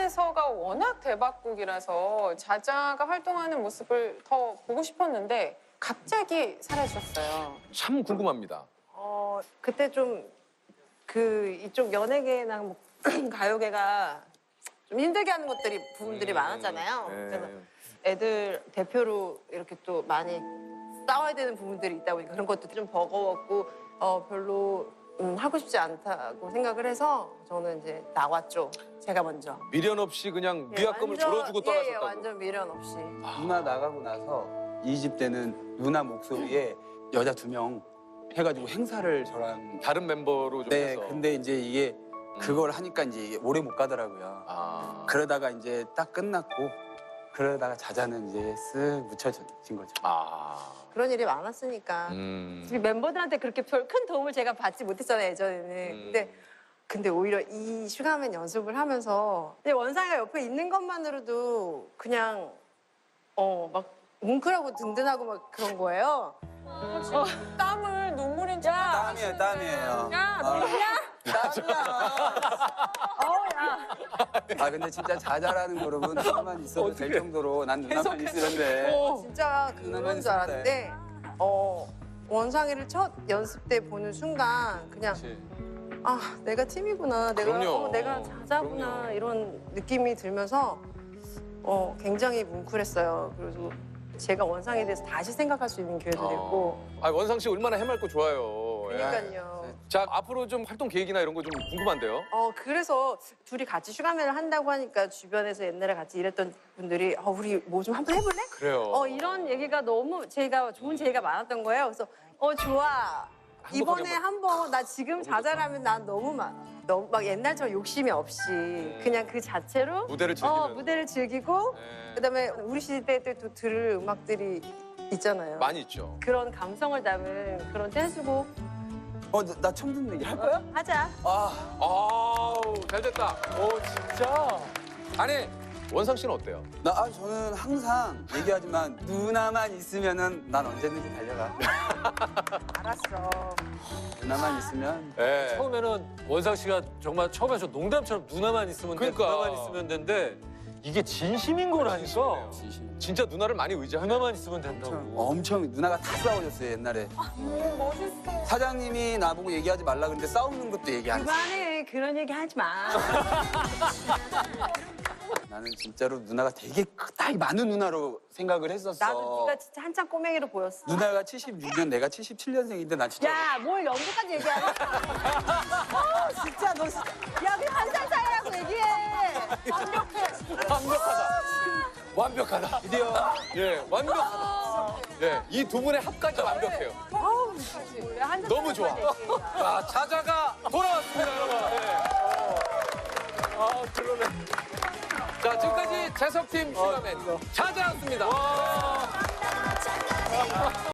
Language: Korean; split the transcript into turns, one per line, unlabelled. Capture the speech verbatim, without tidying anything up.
자자에서가 워낙 대박곡이라서 자자가 활동하는 모습을 더 보고 싶었는데 갑자기 사라졌어요.
참 궁금합니다.
어 그때 좀 그 이쪽 연예계나 뭐 가요계가 좀 힘들게 하는 것들이 부분들이
음,
많았잖아요.
네.
그래서 애들 대표로 이렇게 또 많이 싸워야 되는 부분들이 있다 보니까 그런 것도 좀 버거웠고 어 별로 음, 하고 싶지 않다고 생각을 해서 저는 이제 나왔죠. 제가 먼저.
미련 없이 그냥
예,
위약금을
완전-
줄어주고
예,
떠났었다고.
예, 완전 미련 없이.
누나 나가고 나서 이 집 때는 누나 목소리에 여자 두 명 해가지고 행사를 저랑
다른 멤버로 좀
네
해서.
근데 이제 이게 그걸 하니까 이제 이게 오래 못 가더라고요.
아.
그러다가 이제 딱 끝났고 그러다가 자자는 이제 쓱 묻혀진 거죠.
아.
그런 일이 많았으니까.
음.
우리 멤버들한테 그렇게 별 큰 도움을 제가 받지 못했잖아요, 예전에는.
음.
근데 근데 오히려 이 슈가맨 연습을 하면서 근데 원상이가 옆에 있는 것만으로도 그냥 어 막 뭉클하고 든든하고 막 그런 거예요.
어, 지금 땀을 눈물인 줄
땀이에요, 땀이에요.
야,
아.
너냐?
땀이야.
어우, 야.
아 근데 진짜 자자라는 그룹은 누나만 있어도 될 정도로 난 누나만 있으는데.
어, 진짜
누나만
그런 줄
있으면
알았는데 어 원상이를 첫 연습 때 보는 순간 그냥
그치.
아 내가 팀이구나 내가
그럼요.
어, 내가 자자구나
그럼요.
이런 느낌이 들면서 어 굉장히 뭉클했어요. 그리고 제가 원상에 대해서 다시 생각할 수 있는 기회도 됐고
아, 원상 씨 얼마나 해맑고 좋아요. 예.
그러니까요.
자, 앞으로 좀 활동 계획이나 이런 거 좀 궁금한데요.
어 그래서 둘이 같이 슈가맨을 한다고 하니까 주변에서 옛날에 같이 일했던 분들이 어 우리 뭐 좀 한번 해볼래?
그래요.
어 이런 얘기가 너무 제가 좋은 제의가 많았던 거예요. 그래서 어 좋아. 이번에 한번 나 지금 자잘하면 난 너무 막 너무 막 옛날처럼 욕심이 없이 그냥 그 자체로
무대를 즐기면서.
어 무대를 즐기고
네.
그다음에 우리 시대 때 또 들을 음악들이 있잖아요.
많이 있죠.
그런 감성을 담은 그런 댄스곡
어 나 처음 듣는 얘기 할 거야?
하자.
아
아우, 잘 됐다. 오, 진짜. 아니, 원상 씨는 어때요?
나 아, 저는 항상 얘기하지만 누나만 있으면은 난 언제든지 달려가.
알았어.
누나만 있으면
네.
처음에는 원상 씨가 정말 처음에 저 농담처럼 누나만 있으면 돼,
그러니까.
누나만 있으면 된대. 이게 진심인 거라니까.
진심.
진짜 누나를 많이 의지하는.
누나만 있으면 된다고.
엄청 누나가 다 싸워줬어요 옛날에.
멋있어.
사장님이 나보고 얘기하지 말라 그랬는데 싸우는 것도 얘기 안 했어.
그만해. 그런 얘기 하지 마.
나는 진짜로 누나가 되게 딱 많은 누나로 생각을 했었어.
나도 네가 진짜 한참 꼬맹이로 보였어.
누나가 칠십육 년, 내가 칠십칠 년생인데 난 진짜
야, 뭘 연기까지 얘기하냐? 어, 진짜 너 진짜. 야, 그냥 한 살 차이라고 얘기해. 완벽해.
완벽하다. 완벽하다.
드디어
예, 완벽하다. 예, 이 두 분의 합까지 완벽해요.
어우, 우리 한살
너무 좋아. 자, 자자가 돌아왔습니다, 여러분. 예. 아, 그러네. 자, 지금까지 재석팀 슈가맨 자자였습니다.